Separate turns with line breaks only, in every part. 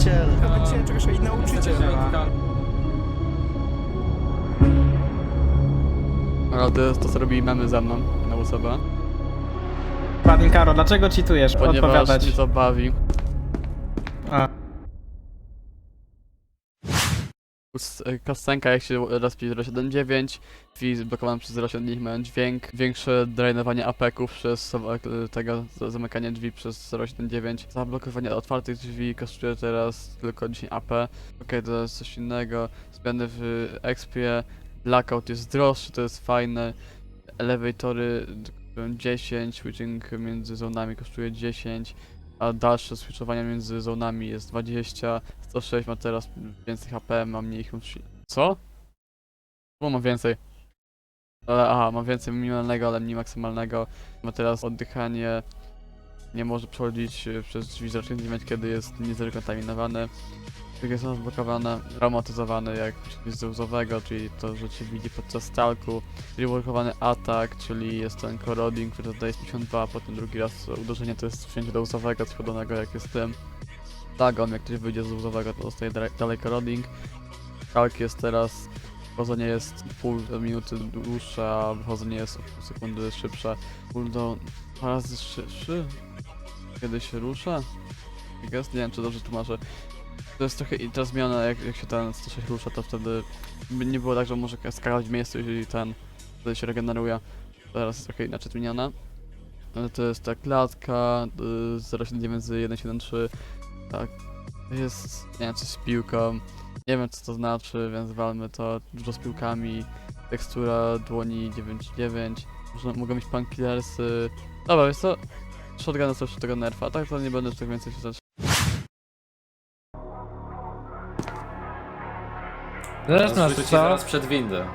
nauczyciel.
Będzie czegoś i nauczyciel.
Ale to co robi memy ze mną na osobę.
Panie Karo, dlaczego cheatujesz?
Ponieważ
Odpowiadać.
mnie to bawi.
A.
Kastenka jak się respi 079, drzwi zblokowane przez 079 mają dźwięk, większe drainowanie apeków przez tego zamykanie drzwi przez 079. Zablokowanie otwartych drzwi kosztuje teraz tylko 10 AP. Okej, to jest coś innego. Zmiany w expie, blackout jest droższy, to jest fajne. Elevatory kosztują 10, switching między zonami kosztuje 10. A dalsze switchowanie między zonami jest 20, 106 ma teraz więcej HP, ma mniej Co? Bo ma więcej. Aha, ma więcej minimalnego, ale mniej maksymalnego. Ma teraz oddychanie. Nie może przechodzić przez drzwi zaczynać, kiedy jest niezrekontaminowany. Drugie są zblokowane, traumatyzowane jak z łzowego, czyli to, że cię widzi podczas stalku. Reworkowany atak, czyli jest ten corroding, który dodaje 52, a potem drugi raz uderzenie to jest wcięcie do łzowego, składonego jak jest tym. Dagon, jak ktoś wyjdzie z łzowego, to dostaje dalej corroding. Stalk jest teraz, wchodzenie jest pół minuty dłuższe, a wychodzenie jest o pół sekundy szybsze. Cooldown 2 razy szybszy? Kiedy się rusza? Nie wiem, czy dobrze tłumaczę. To jest trochę ta zmiana, jak się ten 106 rusza, to wtedy nie było tak, że może skakać w miejscu i wtedy się regeneruje. Teraz jest trochę inaczej zmieniona. Ale to jest ta klatka 079 z 173. Tak, jest, nie wiem, coś z piłką. Nie wiem, co to znaczy, więc walmy to. Dużo z piłkami. Tekstura dłoni 9.9. Mogą mieć punkillersy. Dobra, wiesz co? Shotgun jest też tego nerfa, tak to nie będę już tak więcej się zacząć.
Zaraz nas
Wróci
co?
zaraz przed windę.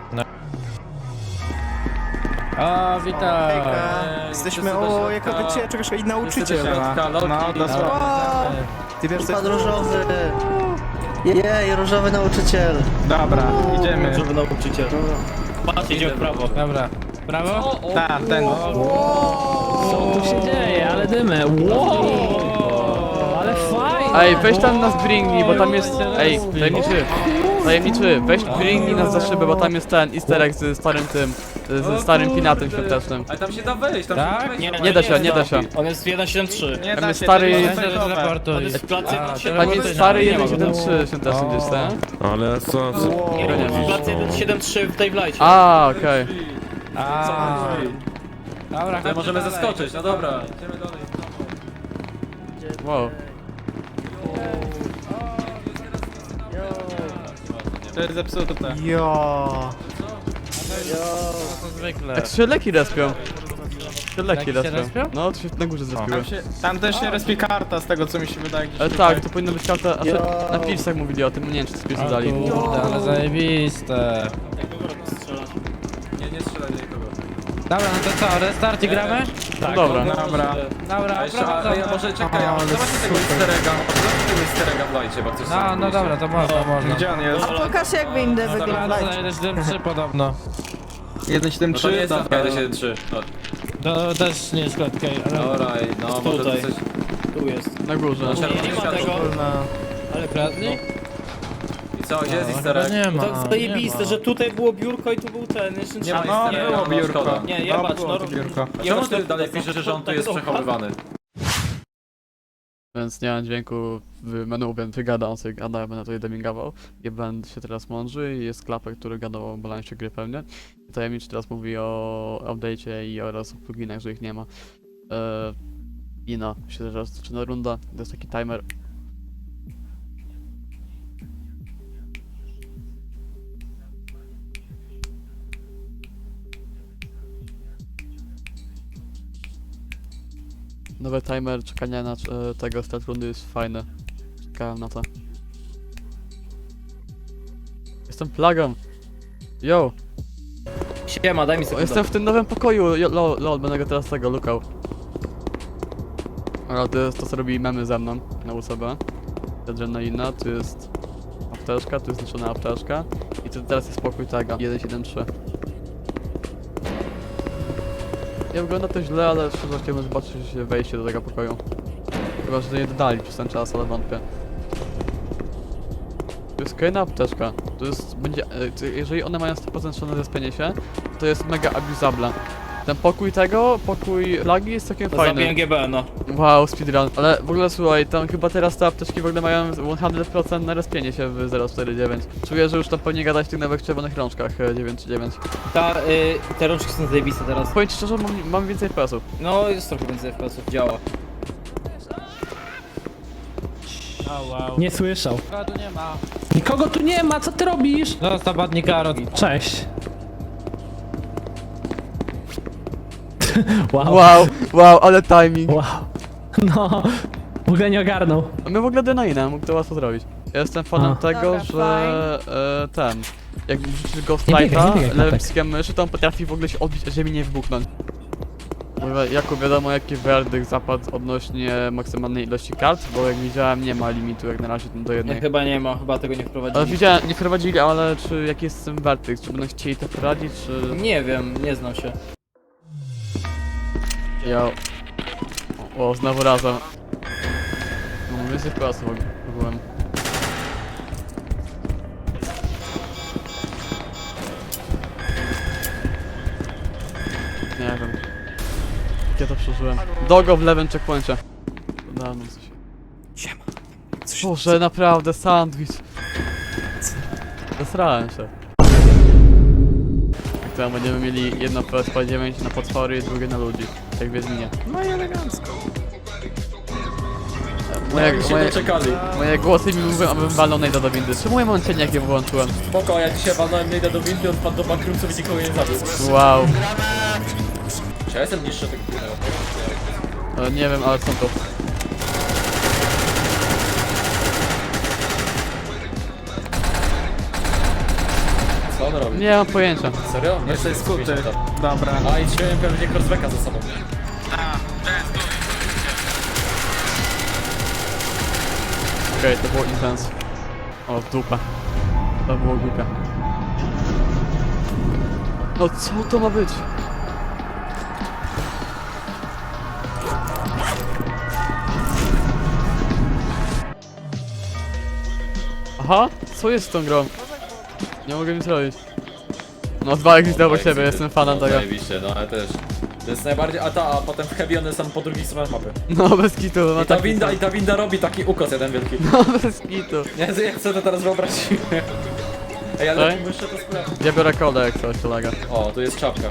O, witam!
Jesteśmy o, jako będzie czegoś i nauczyciel.
Środka,
No,
Loki,
dosłownie. Ty wiesz,
Pan różowy. Jej, różowy nauczyciel.
Dobra, idziemy.
Różowy nauczyciel.
Idzie w prawo. Dobra. Prawo?
Tak, ten.
Co tu się dzieje? Ale dymy. Wow! Ale fajnie!
Ej, weź tam nas bringnij, bo tam jest... Ej, tajemniczy, weź bringnij nas za szybę, bo tam jest ten easter egg z starym tym, ze starym pinatem świątecznym.
Ale tam się da wejść, tam
Tak?
się da wejść.
Nie da się, nie da się.
On jest 1.7.3.
Nie
Tam
da
jest
się,
stary-
to
Weź
jest
się
fejkowe.
teleportuj.
On jest w placu
Tam jest stary 1.7.3 świąteczny gdzieś, tak?
Ale co?
w placu 1.7.3 w tej wlajcie.
A, okej.
Dobra,
Tutaj możemy zaskoczyć, no dobra. Idziemy dalej.
Wow.
To jest zepsute.
Jo.
to zwykle.
Jak się leki respią. Się leki
Leki się
respią.
respią?
No, to się na górze zrespiły.
Tam też się respi karta z tego co mi się wydaje. gdzieś
Ale
tutaj.
tak, to powinno być karta, a na pilsach mówili o tym, nie wiem czy to pilsy
O
dali.
kurde, ale zajebiste.
Nie strzelaj do nikogo.
Dobra, no to co, restart i gramy?
No dobra.
Dobra.
Dobra,
A jeszcze,
prowadzamy.
może czekaj, a może zobaczcie tego easter egga, może zobaczcie tego easter egga w lajcie, bo ktoś
No dobra, to można.
Gdzie on jest?
Pokaż jak windy wygląda.
Wygląda 1.7.3 podobno.
1.7.3?
No to nie jest
Dobra.
1.7.3.
To też nie jest klatkę, ale...
Dobra, no może to
Tutaj.
coś...
Tu jest.
Na górze.
Nie ma tego. Ale kradli?
I co, gdzie jest
No,
easter
chyba
egg?
nie ma.
To zajebiste, że tutaj było biurko i tu był ten. Jeszcze
Nie ma
No,
easter egga,
było
no
biurko.
szkoda.
Nie,
No,
jebać,
było to biurko.
A czemu ty dalej piszesz, że on tu jest przechowywany?
Więc nie mam dźwięku w menu, więc wygada, on sobie gada, ja będę tutaj demingował. I będę się teraz mądrzy i jest klapek, który gadał o balansie gry pewnie. I tajemniczy teraz mówi o update'cie i oraz o pluginach, że ich nie ma. I no, się teraz zaczyna runda, to jest taki timer. Nowy timer czekania na tego start rundy jest fajny. Czekałem na to. Jestem plagą. Yo!
Siema, daj mi sekundę.
Jestem w tym nowym pokoju. Lol, będę go teraz tego lukał. Ale to jest to co robi memy ze mną na USB. Adrenalina, tu jest apteczka, tu jest zniszczona apteczka. I tu teraz jest pokój tego 1.7.3. Nie wygląda to źle, ale szczerze chciałbym zobaczyć wejście do tego pokoju. Chyba, że nie dodali przez ten czas, ale wątpię. To jest kolejna apteczka. To jest, będzie, jeżeli one mają 100% szans na zespienie się, to jest mega abusable. Ten pokój flagi jest całkiem
To
fajny.
zabiłem GB, no.
Wow, speedrun. Ale w ogóle słuchaj, tam chyba teraz te apteczki w ogóle mają 100% na respienie się w 049. Czuję, że już tam powinien gadać w tych nowych czerwonych rączkach 939.
Te rączki są zajebiste teraz.
Powiem ci szczerze, mam więcej FPS-ów.
No, jest trochę więcej FPS-ów, działa.
Nie słyszał. Nikogo tu nie ma, co ty robisz?
Zostaw badnie karot.
Cześć. Wow.
Wow, ale timing.
Wow. No, w ogóle nie ogarnął.
A my w ogóle Denaina, mógł to łatwo zrobić. Ja jestem fanem
A.
tego,
Dobra,
że jak wrzucisz go w
Nie biegaj,
flighta,
nie biegaj,
lewym
Kotek.
przyciskiem myszy, to on potrafi w ogóle się odbić, a ziemi nie wybuchnąć. Mówię, Jakub, wiadomo jaki werdykt zapadł odnośnie maksymalnej ilości kart, bo jak widziałem nie ma limitu jak na razie do
Nie,
jednej.
chyba nie ma, chyba tego nie wprowadzili.
Ale widziałem, nie wprowadzili, ale czy jaki jest ten werdykt, czy będą chcieli to wprowadzić, czy...
Nie wiem, nie znam się.
Ja... O, znowu razem. No, mam więcej klasy byłem. Nie wiem. Jak ja to przeżyłem. Dogo w lewym checkpoincie. Dawno coś.
Siema.
Boże, naprawdę, sandwich. Zesrałem się. Jak to będziemy mieli jedno PSP-9 na potwory i drugie na ludzi. Jak w Wiedźminie.
No i elegancko.
Moje głosy mi mówią, abym walnął najda do windy. Czemu ja mam cień, jak je wyłączyłem?
Spoko, ja dzisiaj walnąłem Nejda do windy, on wpadł do bankructwa i nikogo nie zabił.
Wow.
Czy ja jestem niższy tego chwilę?
Nie wiem, ale są to.
Co on robi?
Nie mam pojęcia.
Serio? Nie,
Jesteś skuty. Dobra.
A i trzymałem pewnie crossbacka za sobą.
Okej, to było intens. O, w dupę. To było głupie. No co to ma być? Aha, co jest z tą grą? Nie mogę nic robić. No dwa exity obok siebie, jestem fanem tego.
Zajebiście, no ale też. To jest najbardziej, a potem w heavy one są po drugiej stronie mapy.
No bez kitu, ma
I ta
taki
winda,
sam.
i ta winda robi taki ukos jeden wielki.
No bez kitu.
Nie, jak sobie to teraz wyobraziłem. Ej, ale
Ej?
muszę to sprawdzić.
Ja biorę kodę jak coś, kolega.
O, tu jest czapka.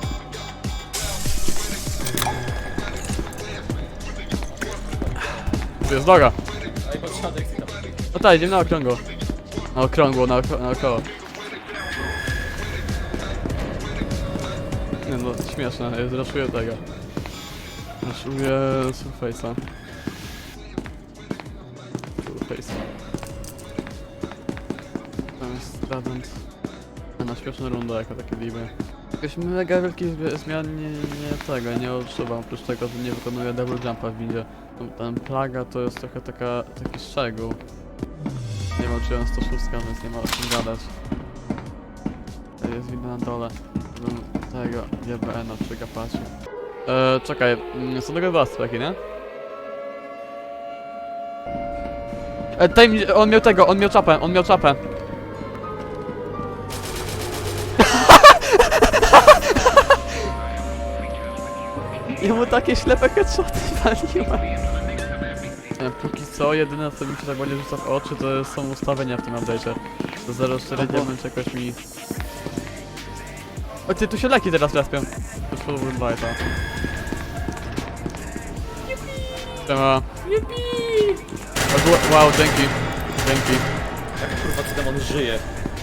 Tu jest droga.
A i patrzę exita.
No tak, idziemy na okrągło. Na okrągło, naokoło. Nie no, śmieszne, ja zraszuję tego. Zraszuję Surface'a. Surface'a. Tam jest Stradent. Na śmieszną rundę jako takie liby. Jakoś mega wielkich zmian nie odczuwam, oprócz tego, że nie wykonuję double jumpa w windzie. Ten plaga to jest trochę taki szczegół. Nie walczyłem 106, więc nie ma o czym gadać. To jest winda na dole. Bym tego GBN-a przegapacił. Czekaj, są tego dwa streki, nie? On miał tego, on miał czapę. Ja mu takie ślepe headshoty waliłem. Póki co, jedyne co mi się tak bardziej rzuca w oczy, to są ustawienia w tym update'cie. To 049 jakoś mi... O ty, tu się leki teraz respią. Już po Woodlighta. Siema. Wow, dzięki. Dzięki.
Jak kurwa ten demon żyje.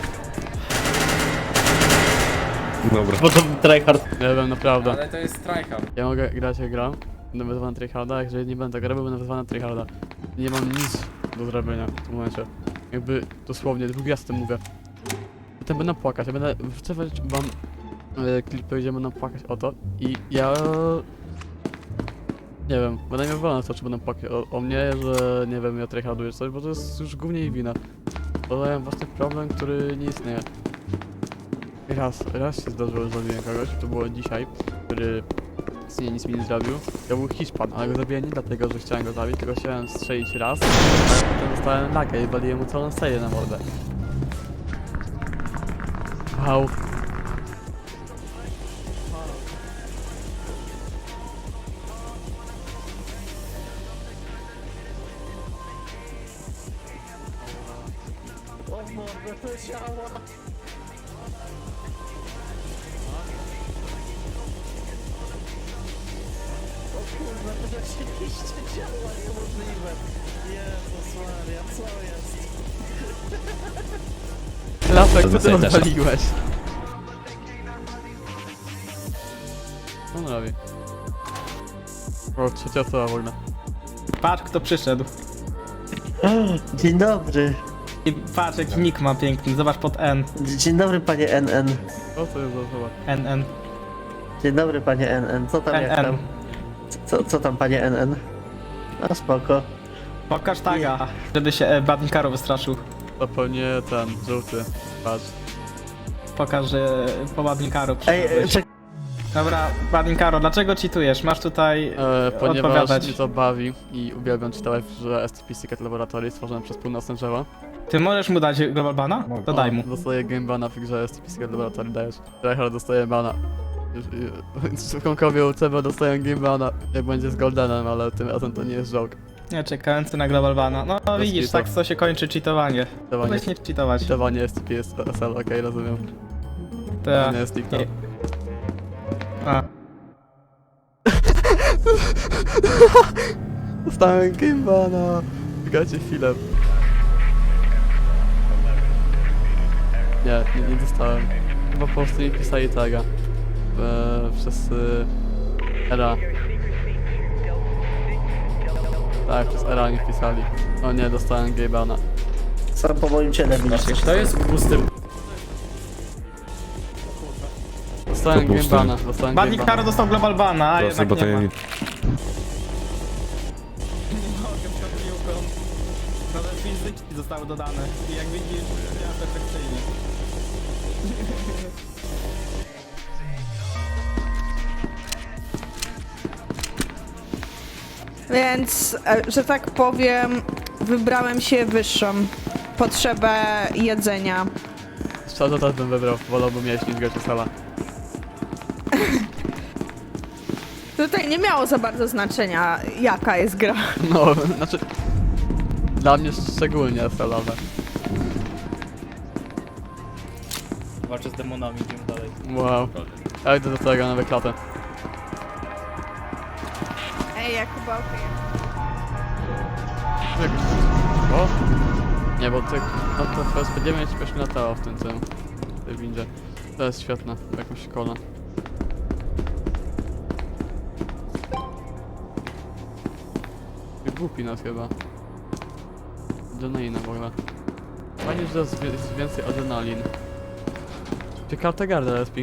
Bo to tryhard.
Nie wiem, naprawdę.
Ale to jest tryhard.
Ja mogę grać jak gram. Będę wezwany na tryharda, jeżeli nie będę grał, będę wezwany na tryharda. Nie mam nic do zrobienia w tym momencie. Jakby dosłownie, drugi raz o tym mówię. Potem będę płakać, ja będę wrzucać wam klipy, gdzie będę płakać o to i ja... Nie wiem, będę miał wolę na to, czy będę płakać o mnie, że nie wiem, ja tryharduję coś, bo to jest już głównie jej wina. Podaję własny problem, który nie istnieje. Raz się zdarzyło, że zabiłem kogoś, to było dzisiaj, który nic mi nie zrobił. To był Hiszpan, ale go zabiłem nie dlatego, że chciałem go zabić, tylko chciałem strzelić raz, ale potem dostałem lagę i waliłem mu całą serię na mordę. Wow.
O mordę, to działa! O kurwa, to rzeczywiście działa, niemożliwe. Jezus Maria, co jest?
Lasek, co ty
Zostaje też.
odpaliłeś? Co on robi? O, trzecia osoba w ogóle.
Patrz kto przyszedł.
Dzień dobry.
I patrz jaki nick ma piękny, zobacz pod N.
Dzień dobry panie NN.
O, co jest za osoba?
NN.
Dzień dobry panie NN. Co tam jak
NN.
tam? Co tam panie NN? No spoko.
Pokaż taga, żeby się Badnikaro wystraszył.
To pewnie ten, żółty. Patrz.
Pokaż, że po Badnikaro
Ej,
przyszedłeś.
czekaj.
Dobra, Badnikaro, dlaczego cheatujesz? Masz tutaj
Ponieważ
odpowiadać.
mnie to bawi i uwielbiam czytać, że SCP Secret Laboratory stworzone przez północne drzewo.
Ty możesz mu dać Global Bana? To daj mu.
Dostaję game bana w grze SCP Secret Laboratory, dajesz. Tryhard dostaje bana. Członkowie UCB dostają game bana, jak będzie z Goldenem, ale tym razem to nie jest joke.
Nie, czekający na Global Bana. No widzisz,
kitu.
tak to się kończy cheatowanie.
Cheatowanie.
Weź nie cheatować.
Cheatowanie SCP jest SL, okej, rozumiem.
To
To
ja.
nie jest TikTok.
A.
Dostałem game bana. Czekajcie chwilę. Nie dostałem. Chyba po prostu nie pisali taga. Przez era. Tak, przez era nie pisali. O nie, dostałem game bana.
Sam po moim ciele widzisz.
To jest pusty.
Dostałem game bana, dostałem game
Badnikaro
bana.
dostał Global Bana, a
Proszę,
jednak
bo
nie
to
ma.
ja
Nie
nie...
mogę, przed piłką. Nowe fizyki zostały dodane. I jak widzisz, ja perfekcyjnie.
Więc, że tak powiem, wybrałem się wyższą potrzebę jedzenia.
Szczerze też bym wybrał, wolałbym jeść niż grać o sala.
Tutaj nie miało za bardzo znaczenia, jaka jest gra.
No, znaczy... Dla mnie szczególnie salowe.
Walczę z demonami, idziemy dalej.
Wow. Ja idę do tego na wyklatę.
Ej, ja chyba okej.
O! Nie, bo ty... No to FSP9 jakoś mi latało w tym celu. W tej windzie. To jest świetne, w jakąś szkole. Głupi nas chyba. Adrenalina w ogóle. Fajnie, że jest więcej adrenalin. Czy karta garda SP?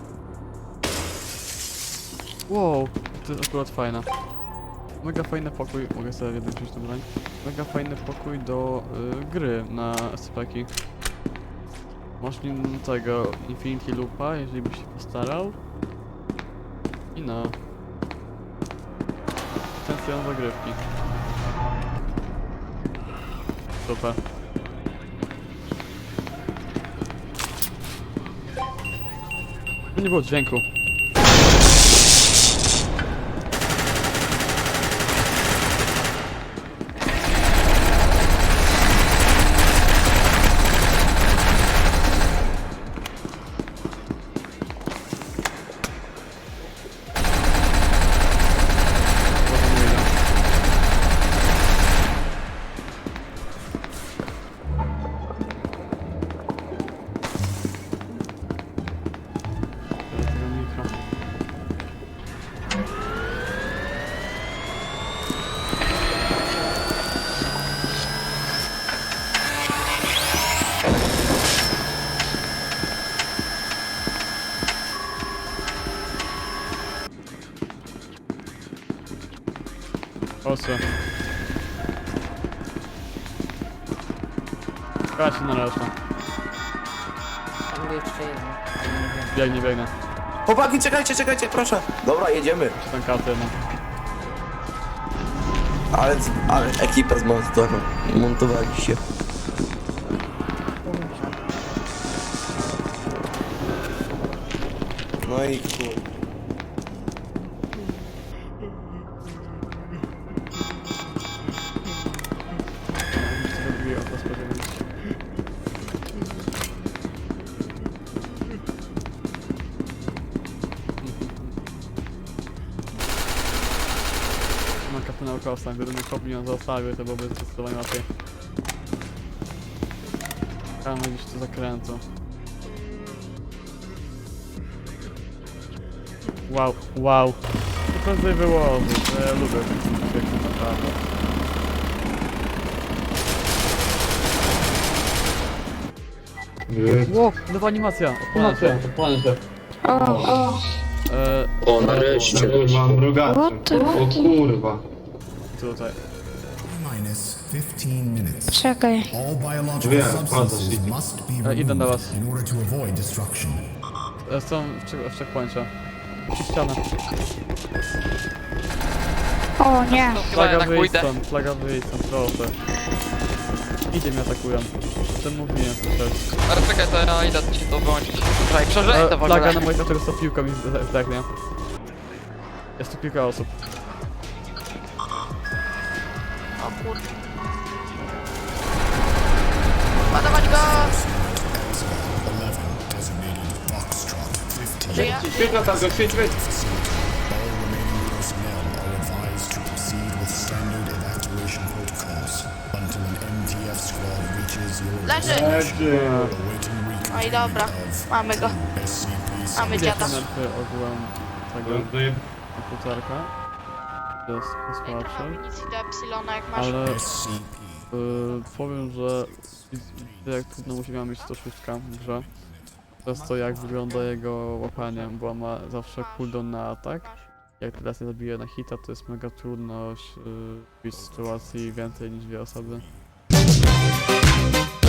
Wow, to jest akurat fajne. Mega fajny pokój, mogę sobie jeden wziąć tą broń. Mega fajny pokój do gry na SCP-ki. Masz nim tego Infinity Loopa, jeżeli byś się postarał. I no. Potencjał zagrywki. Super. Nie było dźwięku. Proszę. Chodź na resztę.
Tam był jeszcze jeden.
Biegnę.
Chłopaki, czekajcie, proszę. Dobra, jedziemy.
Ten kartę, no.
Ale ekipa zmontowali się. No i chuj.
Zrobiłem to spodziewać. Mam kapę naukowca, gdyby mnie kopnił on zostawił, to byłoby zdecydowanie łatwiej. Tam gdzieś tu zakrętu. Wow, wow. To prędzej wyłożyć, ja lubię ten piękny naprawdę. Ło, nowa animacja! Odpalę się.
O, nareszcie.
Mam mrugaczy. O kurwa.
Tutaj.
Minus 15 minutes.
Czekaj.
All biological
Wiem,
substances must be
Idę do was.
removed in order to avoid destruction.
Są w checkpoincie. Przy ścianę.
O nie.
Flaga wyjdź stąd, proszę. Idzie mnie atakują. Ten mówiłem przecież.
Ale czekaj, to ja idę ci to wyłączyć. Czekaj, przeżyj to w ogóle.
Flaga na moich oczach to piłką mi zdechnie. Jest tu kilka osób.
O kurde. Ładować go!
11 designated Foxtrot 15.
Żyje?
Świeć na targę, świeć.
All remaining personnel are advised to proceed with standard evacuation protocols until an MTF squad reaches your
Leży!
awaiting
No i dobra, mamy go.
SCP
Mamy
Gdzie
dziada.
te nerfy ogółem tego komputerka? To jest
Nie trochę
słabszy.
amunicji do Epsilona jak masz.
Ale
SCP.
powiem, że jak trudno musi mieć 106 w grze. Przez to jak wygląda jego łapanie, bo ma zawsze cooldown na atak. Jak teraz nie zabije na hita, to jest mega trudność w sytuacji więcej niż 2 osoby.